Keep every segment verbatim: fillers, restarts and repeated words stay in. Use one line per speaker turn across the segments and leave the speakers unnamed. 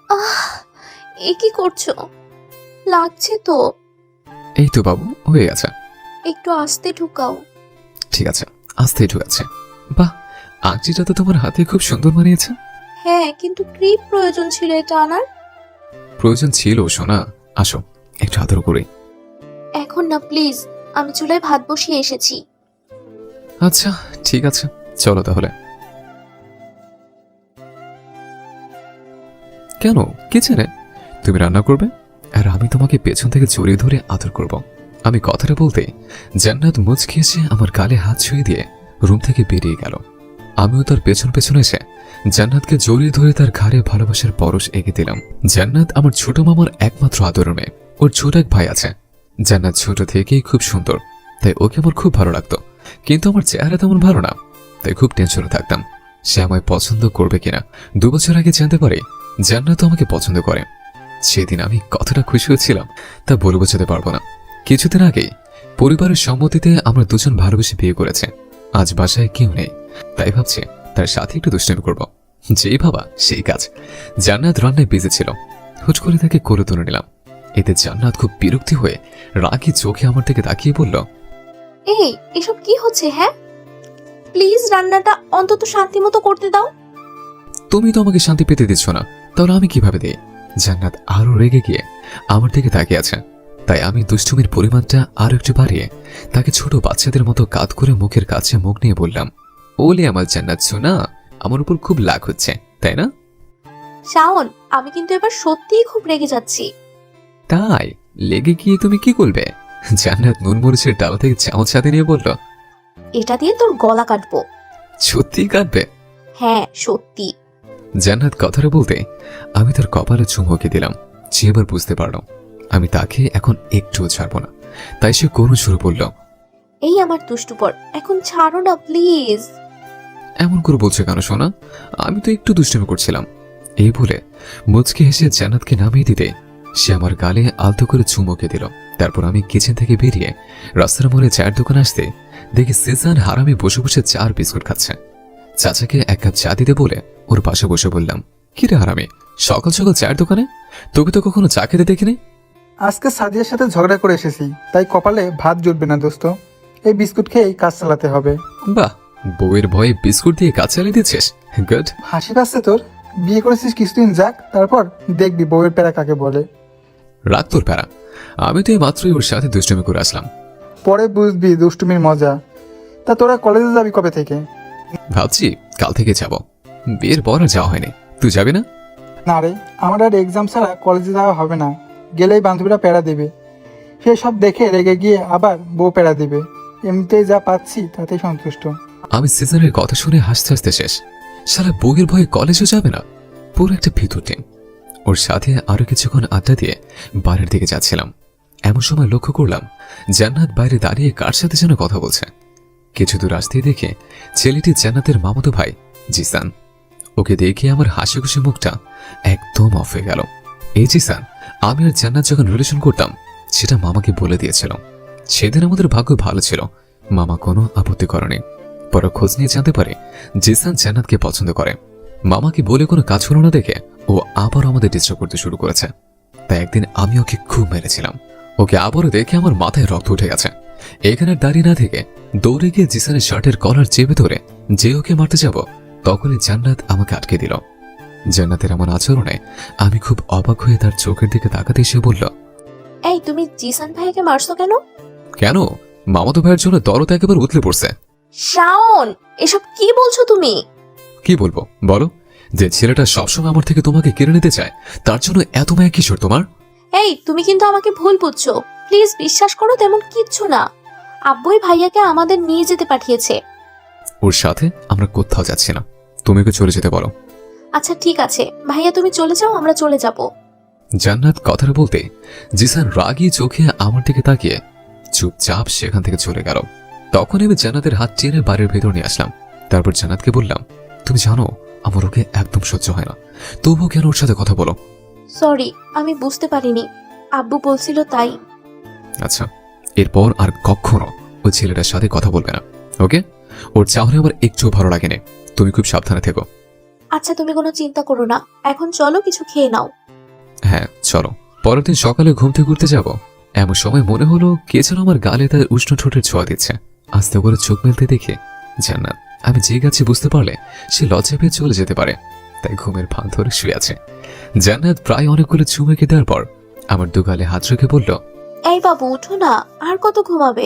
আহ, এ কি করছো? লাগছে তো।
এই তো বাবু, হয়ে গেছে।
একটু আস্তে ঢুকাও।
ঠিক আছে, আস্তেই ঢুকাচ্ছে। বাহ, আংটিটা তো তোমার হাতে খুব সুন্দর মানিয়েছে।
হ্যাঁ, কিন্তু ক্রিপ প্রয়োজন ছিল এটা আনার।
প্রয়োজন ছিল সোনা। আসো, একটু আদর করি।
এখন না প্লিজ, আমি চুলায় ভাত বসিয়ে এসেছি।
আচ্ছা ঠিক আছে, চলো তাহলে। কেন, কিচেনে? তুমি রান্না করবে আর আমি তোমাকে পেছন থেকে জড়িয়ে ধরে আদর করব। আমি কথাটা বলতে জান্নাত মুচকি এসে আমার গালে হাত ছুঁয়ে দিয়ে রুম থেকে বেরিয়ে গেল। আমিও তার পেছন পেছন এসে জান্নাতকে জড়িয়ে ধরে তার ঘাড়ে ভালোবাসার পরশ এঁকে দিলাম। জান্নাত আমার ছোট মামার একমাত্র আদরের মেয়ে। ওর ছোট এক ভাই আছে। জান্নাত ছোট থেকেই খুব সুন্দর, তাই ওকে আমার খুব ভালো লাগতো। কিন্তু আমার চেহারা তেমন ভালো না, তাই খুব টেনশনে থাকতাম সে আমায় পছন্দ করবে কিনা। দু বছর আগে জানতে পারি জান্নাত আমাকে পছন্দ করে। সেদিন আমি কতটা খুশি হয়েছিলাম তা বলে বোঝাতে পারবো না। কিছুদিন আগেই পরিবারের সম্মতিতে আমরা দুজন ভালোবেসে বিয়ে করেছে। আজ বাসায় কেউ নেই, তাই ভাবছি তার সাথে একটু দুষ্টামি করব। যেই ভাবা সেই কাজ। জান্নাত রান্নায় বিজি ছিল, হুট করে তাকে কোলে তুলে নিলাম। এতে জান্নাত খুব বিরক্তি হয়ে রাগি চোখে আমার দিকে তাকিয়ে বলল,
এই এসব কি হচ্ছে? হ্যাঁ, প্লিজ রান্নাটা অন্তত শান্তি মতো করতে দাও।
তুমি তো আমাকে শান্তি পেতে দিচ্ছ না, তাহলে আমি কিভাবে দিই? জান্নাত আরো রেগে গিয়ে আমার দিকে তাকিয়ে আছে, তাই আমি দুষ্টুমির পরিমাণটা আরো একটু বাড়িয়ে তাকে ছোট বাচ্চাদের মতো কাঁধ করে মুখের কাছে মুখ নিয়ে বললাম, ওলে আমার জান্নাত সোনা, আমার উপর খুব লাগ হচ্ছে তাই না?
শাওন, আমি কিন্তু এবার সত্যিই খুব রেগে যাচ্ছি।
তাই লেগে গিয়ে তুমি কি করবে? জান্নাত নুন মরিচের ডালা থেকে চামচ হাতে নিয়ে বলল,
এটা দিয়ে তোর গলা কাটবো।
সত্যি কাটবে?
হ্যাঁ সত্যি।
জান্নাত কথাটা বলতে আমি তার কপালে চুমুকে দিলাম। সে এবার বুঝতে পারল আমি তাকে এখন একটুও ছাড়বো না, তাই সে করুণ সুরে বলল,
এই আমার দুষ্টুপর, এখন ছাড়ো না প্লিজ।
এমন করে বলছে কেন সোনা? আমি তো একটু দুষ্টামি করছিলাম। এই বলে মুচকি হেসে জান্নাতকে নামিয়ে দিতে সে আমার গালে আলতো করে চুমুকে দিল। তারপর আমি কিচেন থেকে বেরিয়ে রাস্তার মোড়ে চায়ের দোকান আসতে দেখি সিজান হারামি বসে বসে চার বিস্কুট খাচ্ছে। চাচাকে এক কাপ চা দিতে বলে ওর পাশে বসে বললাম, কি রে হারামি, সকাল সকাল চায়ের দোকানে? তোকে তো কখনো চা খেতে দেখিনি।
আজকে সাদিয়ার সাথে ঝগড়া করে এসেছি, তাই কপালে ভাত জুটবে না দোস্ত। এই বিস্কুট খেয়েই কাজ চালাতে হবে।
বাহ, বউয়ের ভয়ে বিস্কুট দিয়ে কাজ চালিয়ে দিচ্ছিস, গুড।
হাসি পাচ্ছে তোর? বিয়ে করেছিস কিছুদিন যাক, তারপর দেখবি বউয়ের প্যারা কাকে বলে।
রাগ তোর প্যারা, আমি তো এই মাত্রই ওর সাথে দুষ্টুমি করে আসলাম।
পরে বুঝবি দুষ্টুমির মজা। তা তোরা কলেজে যাবি কবে থেকে?
ভাবছি কাল থেকে যাব। বিয়ের পর আর যাওয়া হয়নি, তুই যাবি না?
না রে, আমার আর এক্সাম ছাড়া কলেজে যাওয়া হবে না। গেলেই বান্ধবীরা প্যারা দেবে, সে সব দেখে রেগে গিয়ে আবার বউ প্যারা দেবে। এমনিতেই যা পাচ্ছি তাতেই সন্তুষ্ট।
আমি সিজনের কথা শুনে হাসতে হাসতে শেষ। সারা বউয়ের ভয়ে কলেজও যাবে না, পুরো একটা ভিতর টিম। ওর সাথে আরো কিছুক্ষণ আড্ডা দিয়ে বাইরের দিকে যাচ্ছিলাম। এমন সময় লক্ষ্য করলাম জান্নাত বাইরে দাঁড়িয়ে কার সাথে যেন কথা বলছে। কিছু দূর আসতেই দেখে ছেলেটি জান্নাতের মামাতো ভাই জিসান। ওকে দেখে আমার হাসি খুশি মুখটা একদম অফ হয়ে গেল। এই জিসান, আমি আর জান্নাত যখন রিলেশন করতাম সেটা মামাকে বলে দিয়েছিল। সেদিন আমাদের ভাগ্য ভালো ছিল, মামা কোনো আপত্তি করেনি। পরে খোঁজ নিয়ে জানতে পারে জিসান জান্নাতকে পছন্দ করে। মামাকে বলে কোনো কাজ হলো না দেখে ও আবার আমাদের ডিস্টার্ব করতে শুরু করেছে। তাই একদিন আমি ওকে খুব মেরেছিলাম। ওকে আবারও দেখে আমার মাথায় রক্ত উঠে গেছে। এখানে দাঁড়িয়ে না থেকে দৌড়ে গিয়ে জিসানের শার্টের কলার চেপে ধরে যে ওকে মারতে যাব, তখনই জান্নাত আমাকে আটকে দিল। জান্নাতের এমন আচরণে আমি খুব অবাক হয়ে তার চোখের দিকে তাকাতে এসে বলল,
এই তুমি জিসান ভাইকে মারছো কেন?
কেন? মামাতো ভাইয়ের জন্য দরদ একেবারে উতলে পড়ছে।
শাওন, এসব কি বলছো তুমি?
কি বলবো বলো? যে ছেলেটা সবসময় আমার থেকে তোমাকে কেড়ে নিতে চায়, তার জন্য এত মায়া কিশোর তোমার?
এই তুমি কিন্তু আমাকে ভুল বুঝছো। প্লিজ বিশ্বাস করো, তেমন কিচ্ছু না। আব্বুই ভাইয়াকে আমাদের নিয়ে যেতে পাঠিয়েছে।
ওর সাথে আমরা কোথাও যাচ্ছি না, তুমি ওকে চলে যেতে বলো।
আচ্ছা ঠিক আছে ভাইয়া, তুমি চলে যাও, আমরা চলে যাব।
জান্নাত কথাটা বলতে জিসান রাগী চোখে আমার দিকে তাকিয়ে চুপচাপ সেখান থেকে চলে গেল। তখন আমি জান্নাতের হাত টেনে বাড়ির ভেতর নিয়ে আসলাম। তারপর জান্নাতকে বললাম, তুমি জানো আমার ওকে একদম সহ্য হয় না, তবুও কেন ওর সাথে কথা বলো?
সরি, আমি বুঝতে পারিনি, আব্বু বলছিল তাই।
আচ্ছা, এরপর আর কখনো ওই ছেলেটার সাথে কথা বলবে না, ওকে? ওর চাহনি আমার একটুও ভালো লাগেনি। তুমি খুব সাবধানে থেকো।
আচ্ছা তুমি কোনো চিন্তা করো না, এখন চলো কিছু খেয়ে নাও।
হ্যাঁ চলো। পরের দিন সকালে ঘুম থেকে উঠতে যাব, এমন সময় মনে হলো কে যেন আমার গালে তার উষ্ণ ঠোঁটের ছোঁয়া দিচ্ছে। আস্তে করে চোখ মেলতে দেখে জান্নাত। আমি যে গেছি বুঝতে পারলে সে লজ্জা পেয়ে চলে যেতে পারে, তাই ঘুমের ভান ধরে শুয়ে আছে। জান্নাত প্রায় অনেকগুলো চুমুকে দেওয়ার পর আমার দুগালে হাত রেখে বলল,
এই বাবু উঠো না, আর কত ঘুমাবে?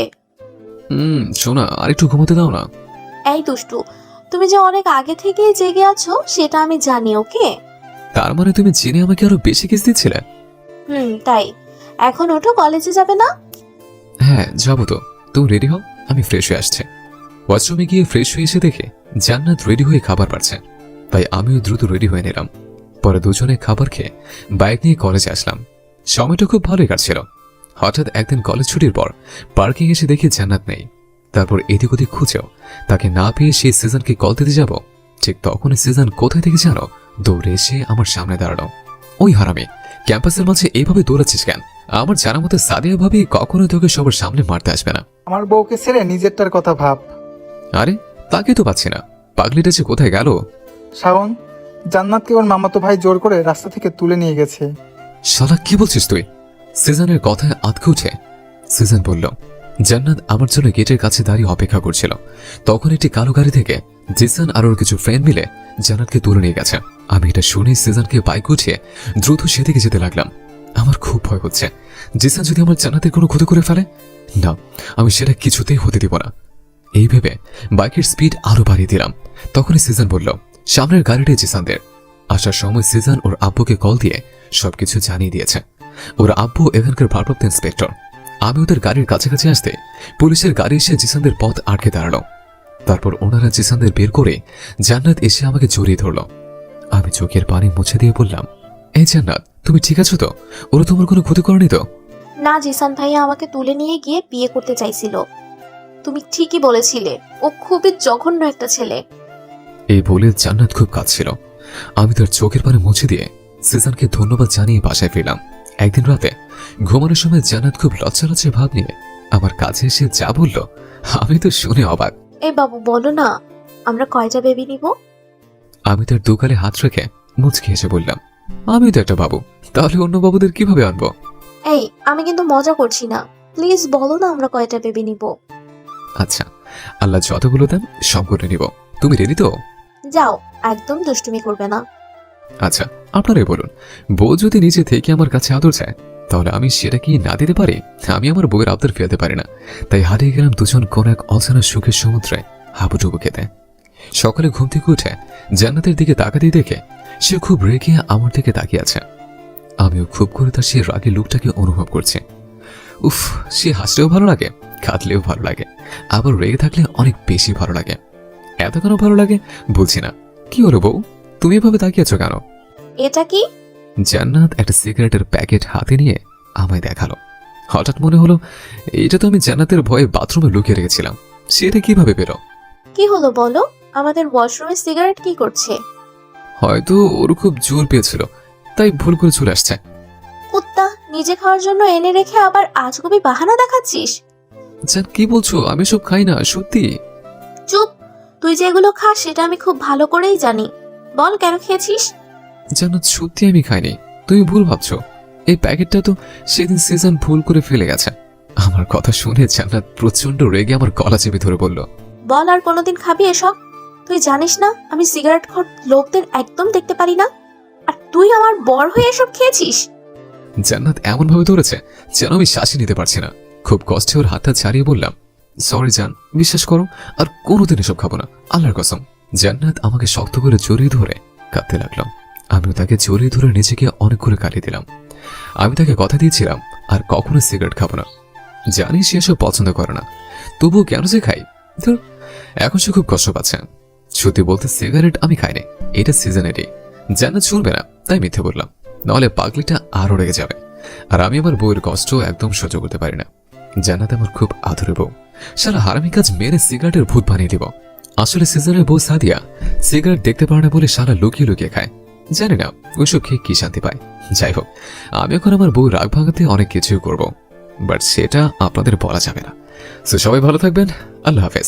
হুম শোনা, আর একটু ঘুমোতে দাও না।
এই দুষ্টু, তুমি যে অনেক আগে থেকেই জেগে আছো সেটা আমি জানি, ওকে?
তার মানে তুমি জেনে আমাকে আরো বেশি কিস দিচ্ছিলে?
হুম, তাই এখন ওঠো, কলেজে যাবে না?
হ্যাঁ যাবো তো। তুমি রেডি হও, আমি ফ্রেশ হয়ে আসছে। ওয়াশরুমে গিয়ে ফ্রেশ হয়ে এসে দেখে জান্নাত রেডি হয়ে খাবার পাচ্ছে, তাই আমিও দ্রুত রেডি হয়ে নিলাম। পরে দুজনে খাবার খেয়ে বাইক নিয়ে কলেজে আসলাম। সময়টা খুব ভালোই কাটছিল। হঠাৎ একদিন কলেজ ছুটির পর পার্কিং এসে দেখি জান্নাত নেই। তারপর এদিক ওদিক খুঁজেও তাকে না পেয়ে সেই সিজনকে কল দিতে যাব, ঠিক তখনই সিজন কোথায় থেকে জানো দৌড়ে এসে আমার সামনে দাঁড়ালো। ওই হারামি, ক্যাম্পাসের মাঝে এইভাবে দৌড়াচ্ছিস কেন? আমার জানা মতে সাদিয়া ভাবি কখনো তোকে সবার সামনে মারতে আসবে না।
আমার বউকে ছেড়ে নিজেরটার কথা ভাব।
আরে তাকে তো পাচ্ছি না, পাগলিটা যে কোথায় গেল?
শ্রাবণ, জান্নাতকে ওর মামাতো ভাই জোর করে রাস্তা থেকে তুলে নিয়ে গেছে।
শালা কি বলছিস তুই? সিজনের কথায় আতকে উঠে সিজন বলল, জান্নাত আমার জন্য গেটের কাছে দাঁড়িয়ে অপেক্ষা করছিল। তখন একটি কালো গাড়ি থেকে জিসান আর ওর কিছু ফ্রেন্ড মিলে জান্নাতকে তুলে নিয়ে গেছে। আমি এটা শুনে সিজনকে বাইক উঠিয়ে দ্রুত সেদিকে যেতে লাগলাম। আমার খুব ভয় হচ্ছে, জিসান যদি আমার জান্নাতের কোনো ক্ষতি করে ফেলে। না, আমি সেটা কিছুতেই হতে দিব না। এই ভেবে বাইকের স্পিড আরো বাড়িয়ে দিলাম। তখনই সিজন বলল, সামনের গাড়িটাই জিসানদের। আসার সময় সিজন ওর আব্বুকে কল দিয়ে সবকিছু জানিয়ে দিয়েছে। ওর আব্বু এখানকার ভারপ্রাপ্ত ইন্সপেক্টর। আমি ওদের গাড়ির কাছাকাছি আসতে পুলিশের গাড়ি এসে জিসানদের পথ আটকে দাঁড়ালো। তারপর ওনারা জিসানদের বের করে জান্নাত এসে আমাকে জড়িয়ে ধরল। আমি চোখের পানি মুছে দিয়ে বললাম, এই জান্নাত তুমি ঠিক আছো তো? ওরা তোমার কোনো ক্ষতি করেনি তো?
না, জিসান ভাইয়া আমাকে তুলে নিয়ে গিয়ে বিয়ে করতে চাইছিল। তুমি ঠিকই বলেছিলে, ও খুবই জঘন্য একটা ছেলে।
এই বলে জান্নাত খুব কাঁদছিল। আমি তার চোখের পানি মুছে দিয়ে সিজনকে ধন্যবাদ জানিয়ে বাসায় ফিরলাম। একদিন রাতে ঘুমানোর সময় জান্নাত খুব লজ্জা লজ্জা ভাব নিয়ে আমার কাছে এসে যা বলল, আমি তো শুনে অবাক।
এই বাবু বলো না, আমরা কয়টা বেবি নিব?
আমি তার দুগালে হাত রেখে মুচকে এসে বললাম, আমি তো একটা বাবু, তাহলে অন্য বাবুদের কিভাবে আনবো?
এই, আমি কিন্তু মজা করছি না, প্লিজ বলো না আমরা কয়টা বেবি নিব।
আচ্ছা, আল্লাহ যতগুলো দেন সব করে নিব। তুমি রেডি তো?
যাও, একদম দুষ্টুমি করবে না।
আচ্ছা আপনারাই বলুন, বউ যদি নিচে থেকে আমার কাছে আদর চায় তাহলে আমি সেটা কি না দিতে পারি? আমি আমার বউয়ের আবদার ফেলতে পারি না, তাই হারিয়ে গেলাম দুজন কোন এক অজানা সুখের সমুদ্রে হাবুডুবু খেতে। সকালে ঘুম থেকে উঠে জান্নাতের দিকে তাকাতেই দেখে সে খুব রেগে আমার দিকে তাকিয়ে আছে। আমিও খুব করে তার সে রাগের লুকটাকে অনুভব করছি। উফ, সে হাসলেও ভালো লাগে, কাঁদলেও ভালো লাগে, আবার রেগে থাকলে অনেক বেশি ভালো লাগে। এত কেন ভালো লাগে বলছি না। কি হলো বউ, তুমি এভাবে তাকিয়েছ কেন?
এটা কি?
জান্নাত একটা সিগারেটের প্যাকেট হাতে নিয়ে আমায় দেখালো। হঠাৎ মনে হলো এটা তো আমি জান্নাতের ভয়ে বাথরুমে লুকিয়ে রেখেছিলাম, সেটা কিভাবে পেল?
কি হলো বলো, আমাদের ওয়াশরুমে সিগারেট কি করছে?
হয়তো ওর খুব জোর পেয়েছিল, তাই ভুল করে চলে আসছে।
কুত্তা, নিজে খাওয়ার জন্য এনে রেখে আবার আজগুবি বাহানা দেখাচ্ছিস।
জান কি বলছো? আমি সব খাই না, সত্যি।
চুপ, তুই যেগুলো খাস সেটা আমি খুব ভালো করেই জানি। বল কেন খেয়েছিস?
জান্নাত সত্যি আমি খাইনি, তুমি ভুল ভাবছো। এই প্যাকেটটা তো সেদিন সিজন ভুল করে ফেলে গেছে। আমার কথা শুনে জান্নাত প্রচন্ড রেগে আমার গলা চেপে ধরে বলল,
বল আর কোনোদিন খাবি এসব? তুই জানিস না আমি সিগারেট খোর লোকদের একদম দেখতে পারি না, আর তুই আমার বর হয়ে এসব খেয়েছিস?
জান্নাত এমন ভাবে ধরেছে যেন আমি শ্বাসই নিতে পারছি না। খুব কষ্টে ওর হাতটা ছাড়িয়ে বললাম, সরি জান, বিশ্বাস করো আর কোনোদিন এসব খাবো না, আল্লাহর কসম। জান্নাত আমাকে শক্ত করে জড়িয়ে ধরে কাঁদতে লাগলাম। আমিও তাকে জড়িয়ে ধরে নিজেকে অনেক করে কাটিয়ে দিলাম। আমি তাকে কথা দিয়েছিলাম আর কখনো সিগারেট খাবো না। জানি সে এসব পছন্দ করে না, তবুও কেন যে খাই। ধর, এখন সে খুব কষ্ট পাচ্ছে। সত্যি বলতে সিগারেট আমি খাইনি, এটা সিজনেরই। জান্নাত শুনবে না তাই মিথ্যে বললাম, নাহলে পাগলিটা আরো রেগে যাবে। আর আমি আমার বউয়ের কষ্ট একদম সহ্য করতে পারি না। জান্নাত আমার খুব আদরের বউ, সারা হারামি কাজ মেরে সিগারেটের ভূত বানিয়ে দিব। আসলে সিজনের বউ সাদিয়া সিগারেট দেখতে পারে না বলে সারা লুকিয়ে লুকিয়ে খায়। জানি না ওইসব খেয়ে কি শান্তি পায়। যাই হোক, আমি এখন আমার বউ রাগ ভাঙাতে অনেক কিছুই করব, বাট সেটা আপনাদের বলা যাবে না। তো সবাই ভালো থাকবেন, আল্লাহ হাফেজ।